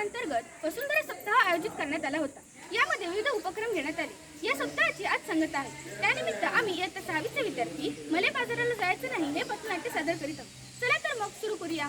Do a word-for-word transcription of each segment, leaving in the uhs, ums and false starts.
अंतर्गत वसुंधरा सप्ताह आयोजित करण्यात आला होता. यामध्ये विविध उपक्रम घेण्यात आले. या सप्ताहाची आज सांगत आहे. त्यानिमित्त आम्ही इयत्ता सहावीचे विद्यार्थी मले बाजाराला जायचं नाही हे पथनाट्य सादर करीत आहोत. चला तर मग सुरू करूया.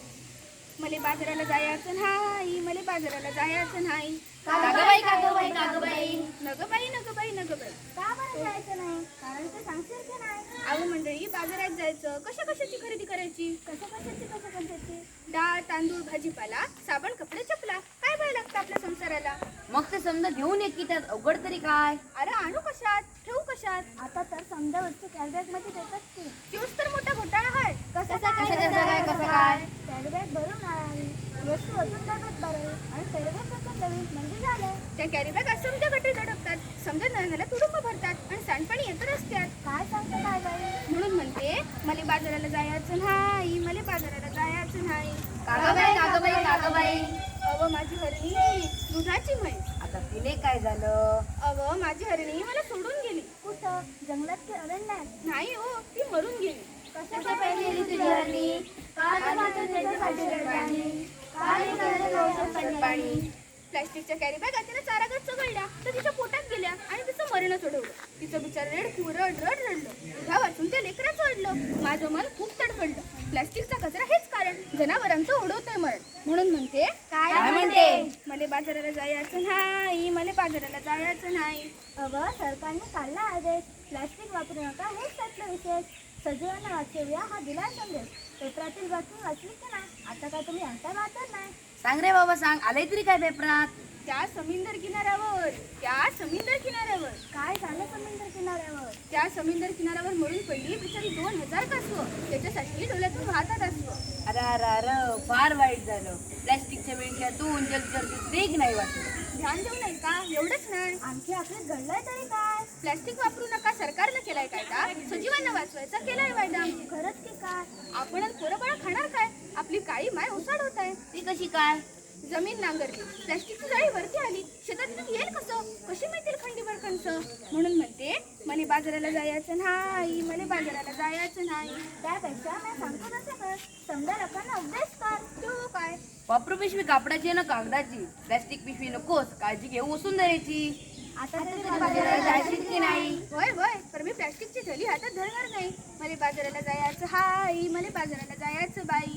मले बाजाराला जायचं नाही, मले बाजाराला जायचं नाही. कागबाई कागबाई कागबाई नगबाई नगबाई नगबाई. का बरं जायचं नाही? कारण ते सांगशील की नाही? अहो मंडळी, बाजारात जायचं, कशा कशाची खरेदी करायची? कसं कशाची कसं कशाची? डाळ, तांदूळ, भाजीपाला, साबण, कपडे, चपला, काय भय लागतं आपल्या संसाराला. मग ते समजा घेऊन ये की त्यात अवघड तरी काय. अरे आणू कशात, ठेवू कशात? आता तर समजा वस्तू कॅरीबॅग मध्ये देतात की. तोच तर मोठा घोटाळा आहे. कसं कसं काय कसं काय? कॅरीबॅग भरून आणावी, वस्तू अजून डब्यात भरावी आणि कॅरीबॅग कसं द्यावी म्हणजे झालं. त्या कॅरीबॅग असंख्य गटे झडपतात, समजा नळणाला तुडुंब भरतात आणि सांडपाणी येत रस्त्यात. काय सांगते काय बाई? म्हणून म्हणते मले बाजाराला जायचं नाही, मले बाजाराला जायचं नाही. कागबाई कागबाई कागबाई. अव माझी हरणी दुधाची म्हैस. आता तिने काय झालं? अव माझी हरणी मला सोडून गेली. कुठं? जंगलात की अरण्यात? नाही हो, ती मरून गेली. कशा पाहिजे तुझी हरणी? का तुम्हाला त्याच्यासाठी रडवाणी? का नाही करत औषध पाणी? प्लास्टिकच्या कॅरीबॅग तिने चारागात चघळल्या तर तिच्या पोटात गेल्या आणि तिचं मरण चढवलं. तिचं बिचार रेड रड रड रडलं. दुधा वाचून त्या लेकराचं अडलं. माझं मन खूप तडफडलं. प्लास्टिकचा कचरा हेच कारण, जनावरांचं ओढवतंय मरण. म्हणून म्हणते काय म्हणते? मले बाजाराला जायचं नाही, मले बाजाराला जायचं नाही. अव सरकारने काढला आदेश, प्लास्टिक वापरू नका हेच त्यातलं विशेष. सजीवांना वाचवूया हा दिला संदेश. पेपरातील बातमी वाचली की नाही? आता काय तुम्ही अंतर वाचत नाही? सांग रे बाबा सांग, आलंय तरी काय पेपरात? त्या समुद्र किनाऱ्यावर त्या समुद्र किनाऱ्यावर काय झालं समुद्र किनाऱ्यावर? त्या समुद्र किनाऱ्यावर मरून पडली बिचारी दोन हजार कासवं. त्याच्यासाठी डोळ्यातून वाहतात असवं. अरे अरे अरे फार वाईट झालं. प्लॅस्टिकच्या मेंढ्यातून जलचर देख नाही वाटलं. ध्यान देऊ नये का? एवढंच नाही, आणखी आपले घडलंय तरी काय? प्लॅस्टिक वापरू नका सरकारनं केलाय कायदा, सजीवांना वाचवायचा केलाय वायदा. खरंच की काय? आपण पोरबळा खाणार काय? आपली काळी माय ओसाड होत आहे. ती कशी काय? जमीन नांगरली, प्लॅस्टिकची जाळी वरती आली, शेतातून येईल कसं? कशी मिळतील खंडीभर कणसं? म्हणून म्हणते मले बाजाराला जायचं नाही, मले बाजाराला जायचं नाही. त्यापेक्षा मी सांगतो तसं कर. समजा लोकांना उपदेश कर. तो काय? वापरू पिशवी कापडाची आहे ना कागदाची. प्लॅस्टिक पिशवी नकोस, काळजी घेऊ वसुंधरेची. आता तरी बाजाराला जायचीच की नाही? होय होय, पण मी प्लॅस्टिकची थैली हातात धरणार नाही. मले बाजाराला जायचं हाय, मले बाजाराला जायचं बाई.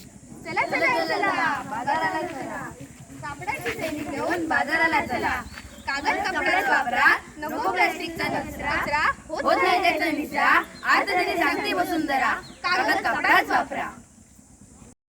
चला चला चला बाजाराला चला. कापडाची थैली घेऊन बाजाराला चला. कागद कपड्याच वापरा, नको प्लॅस्टिकचा कचरा. होत नाही त्याचा निचरा. आता तरी सांगते वसुंधरा, कागद कपडाच वापरा.